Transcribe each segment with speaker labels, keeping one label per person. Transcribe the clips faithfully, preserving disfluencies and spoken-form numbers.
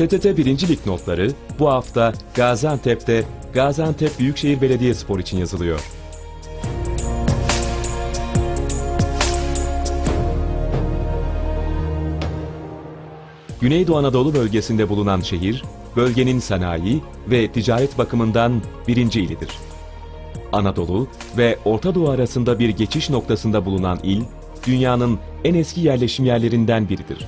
Speaker 1: P T T birinci Lig notları bu hafta Gaziantep'te Gaziantep Büyükşehir Belediyespor için yazılıyor. Güneydoğu Anadolu bölgesinde bulunan şehir, bölgenin sanayi ve ticaret bakımından birinci ilidir. Anadolu ve Orta Doğu arasında bir geçiş noktasında bulunan il, dünyanın en eski yerleşim yerlerinden biridir.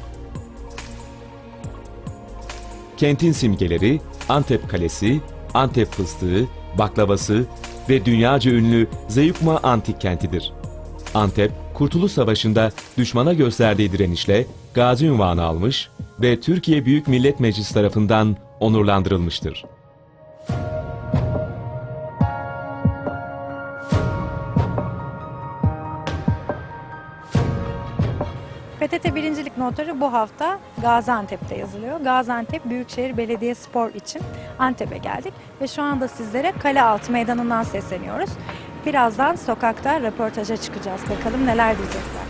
Speaker 1: Kentin simgeleri Antep Kalesi, Antep fıstığı, baklavası ve dünyaca ünlü Zeyukma Antik Kentidir. Antep, Kurtuluş Savaşı'nda düşmana gösterdiği direnişle gazi unvanı almış ve Türkiye Büyük Millet Meclisi tarafından onurlandırılmıştır.
Speaker 2: P T T birinci Lig notları bu hafta Gaziantep'te yazılıyor. Gaziantep Büyükşehir Belediyespor için Antep'e geldik ve şu anda sizlere Kalealtı Meydanı'ndan sesleniyoruz. Birazdan sokakta röportaja çıkacağız. Bakalım neler diyecekler.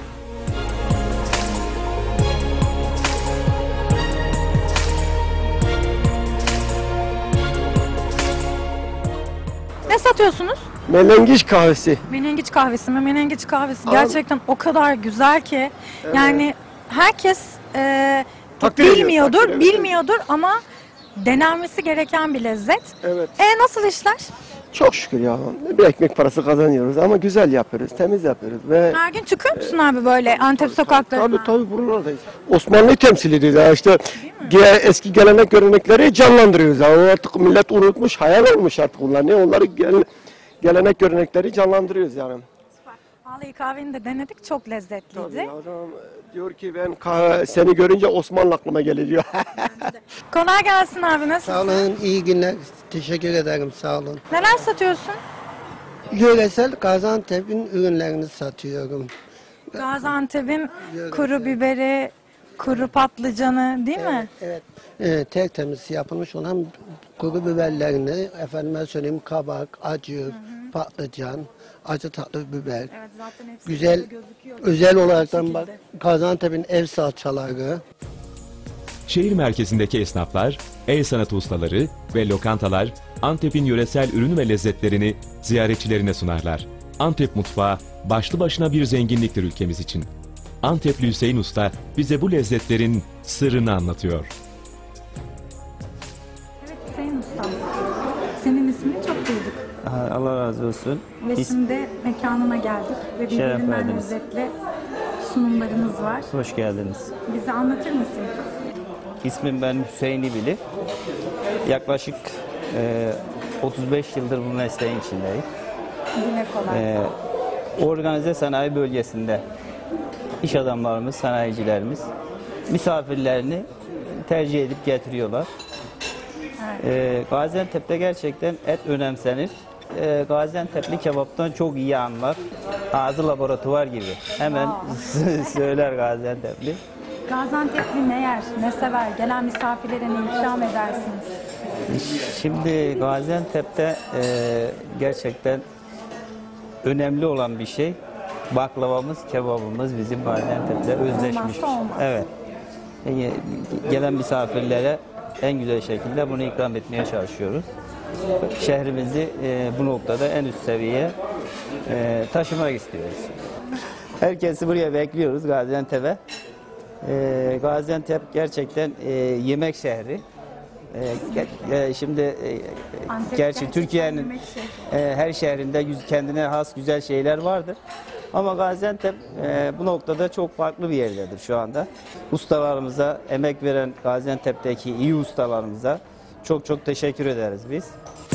Speaker 2: Ne satıyorsunuz?
Speaker 3: Menengiç kahvesi.
Speaker 2: Menengiç kahvesi mi? Menengiç kahvesi gerçekten o kadar güzel ki
Speaker 3: Evet.
Speaker 2: yani herkes e,
Speaker 3: Takdir ediyor,
Speaker 2: bilmiyordur,
Speaker 3: takdir ediyor.
Speaker 2: bilmiyordur ama denenmesi gereken bir lezzet.
Speaker 3: Evet.
Speaker 2: E nasıl işler?
Speaker 3: Çok şükür ya. Bir ekmek parası kazanıyoruz ama güzel yapıyoruz, temiz yapıyoruz ve
Speaker 2: Her gün çıkıyor musun abi böyle Antep sokaklarına?
Speaker 3: tabii tabii buralardayız. Osmanlı'yı temsil ediyoruz ya işte ge- eski gelenek görenekleri canlandırıyoruz ya. O artık millet unutmuş, hayal olmuş artık onlar. Ne onları gel- gelenek görenekleri canlandırıyoruz yani.
Speaker 2: Vallahi kahveni de denedik, çok lezzetliydi.
Speaker 3: Tabii adam diyor ki ben kah- seni görünce Osmanlı aklıma gelir diyor.
Speaker 2: Kolay gelsin abi, nasılsın?
Speaker 4: Sağ olun, iyi günler. Teşekkür ederim, sağ olun.
Speaker 2: Neler satıyorsun?
Speaker 4: Yöresel Gaziantep'in ürünlerini satıyorum.
Speaker 2: Gaziantep'in kuru biberi, kuru patlıcanı değil mi?
Speaker 4: Evet, evet. Tertemiz yapılmış olan kuru biberlerini, efendime söyleyeyim kabak, acı, patlıcan, acı tatlı biber.
Speaker 2: Evet, zaten hepsi
Speaker 4: Güzel,
Speaker 2: gözüküyor.
Speaker 4: özel olaraktan
Speaker 2: şekilde.
Speaker 4: bak Gaziantep'in ev salçaları.
Speaker 1: Şehir merkezindeki esnaflar, el sanatı ustaları ve lokantalar Antep'in yöresel ürün ve lezzetlerini ziyaretçilerine sunarlar. Antep mutfağı başlı başına bir zenginliktir ülkemiz için. Antepli Hüseyin Usta bize bu lezzetlerin sırrını anlatıyor.
Speaker 2: Evet Hüseyin Ustam, senin ismini çok duyduk.
Speaker 5: Allah razı olsun.
Speaker 2: Ve
Speaker 5: İs-
Speaker 2: şimdi mekanına geldik ve
Speaker 5: Şeref
Speaker 2: birbirinden
Speaker 5: verdiniz.
Speaker 2: lezzetli sunumlarınız var.
Speaker 5: Hoş geldiniz.
Speaker 2: Bize anlatır mısın?
Speaker 5: İsmim ben Hüseyin İbili. Yaklaşık e, otuz beş yıldır bu mesleğin içindeyim.
Speaker 2: Dile kolay.
Speaker 5: E, organize sanayi bölgesinde iş adamlarımız, sanayicilerimiz misafirlerini tercih edip getiriyorlar. E, Gaziantep'te gerçekten et önemsenir. E, Gaziantep'li kebaptan çok iyi anlar. Ağzı laboratuvar gibi. Hemen söyler Gaziantep'li.
Speaker 2: Gaziantep'li ne yer, ne sever? Gelen misafirlere ne ikram edersiniz?
Speaker 5: Şimdi Gaziantep'te e, gerçekten önemli olan bir şey baklavamız, kebabımız bizim Gaziantep'te özleşmiş.
Speaker 2: Olmazsa olmaz.
Speaker 5: Evet. E, gelen misafirlere en güzel şekilde bunu ikram etmeye çalışıyoruz. Şehrimizi e, bu noktada en üst seviyeye e, taşımak istiyoruz. Herkesi buraya bekliyoruz Gaziantep'e. E, Gaziantep gerçekten e, yemek şehri. E, e, şimdi e,
Speaker 2: Antep
Speaker 5: gerçi
Speaker 2: gerçekten
Speaker 5: Türkiye'nin
Speaker 2: yemek şehri.
Speaker 5: e, her şehrinde yüz- kendine has güzel şeyler vardır. Ama Gaziantep e, bu noktada çok farklı bir yerdedir şu anda. Ustalarımıza, emek veren Gaziantep'teki iyi ustalarımıza çok çok teşekkür ederiz biz.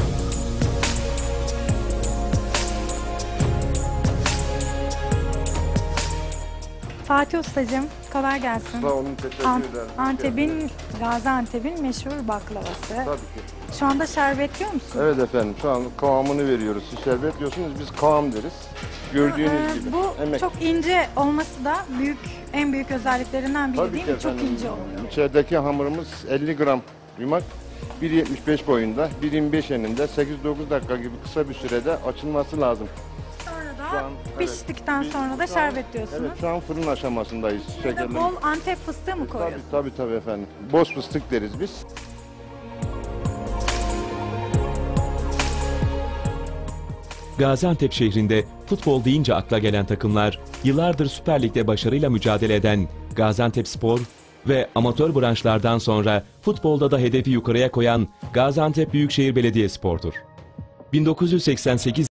Speaker 2: Fatih Ustacığım, kolay gelsin.
Speaker 6: Sağ olun, teşekkür
Speaker 2: An-
Speaker 6: ederim.
Speaker 2: Antep'in, Gaziantep'in meşhur baklavası.
Speaker 6: Tabii ki.
Speaker 2: Şu anda şerbetliyor musun?
Speaker 6: Evet efendim, şu an kıvamını veriyoruz. Siz şerbet diyorsunuz, biz kıvam deriz. Gördüğünüz
Speaker 2: Ee,
Speaker 6: gibi.
Speaker 2: bu
Speaker 6: Emek.
Speaker 2: çok ince olması da büyük, en büyük özelliklerinden biri
Speaker 6: Tabii
Speaker 2: değil
Speaker 6: ki
Speaker 2: mi? Çok
Speaker 6: efendim.
Speaker 2: ince oluyor.
Speaker 6: İçerideki hamurumuz elli gram yumak. bir yetmiş beş boyunda, bir yirmi beş eninde, sekiz dokuz dakika gibi kısa bir sürede açılması lazım.
Speaker 2: Sonra da
Speaker 6: şu an, evet.
Speaker 2: piştikten
Speaker 6: Biz
Speaker 2: sonra da
Speaker 6: şu an-
Speaker 2: şerbet diyorsunuz.
Speaker 6: Evet, şu an fırın aşamasındayız.
Speaker 2: Burada
Speaker 6: Şekerleme.
Speaker 2: bol Antep fıstığı mı
Speaker 6: Tabii,
Speaker 2: koyuyorsunuz?
Speaker 6: tabii tabii efendim. Boz fıstık deriz biz.
Speaker 1: Gaziantep şehrinde futbol deyince akla gelen takımlar, yıllardır Süper Lig'de başarıyla mücadele eden Gaziantepspor ve amatör branşlardan sonra futbolda da hedefi yukarıya koyan Gaziantep Büyükşehir Belediyespor'dur. bin dokuz yüz seksen sekiz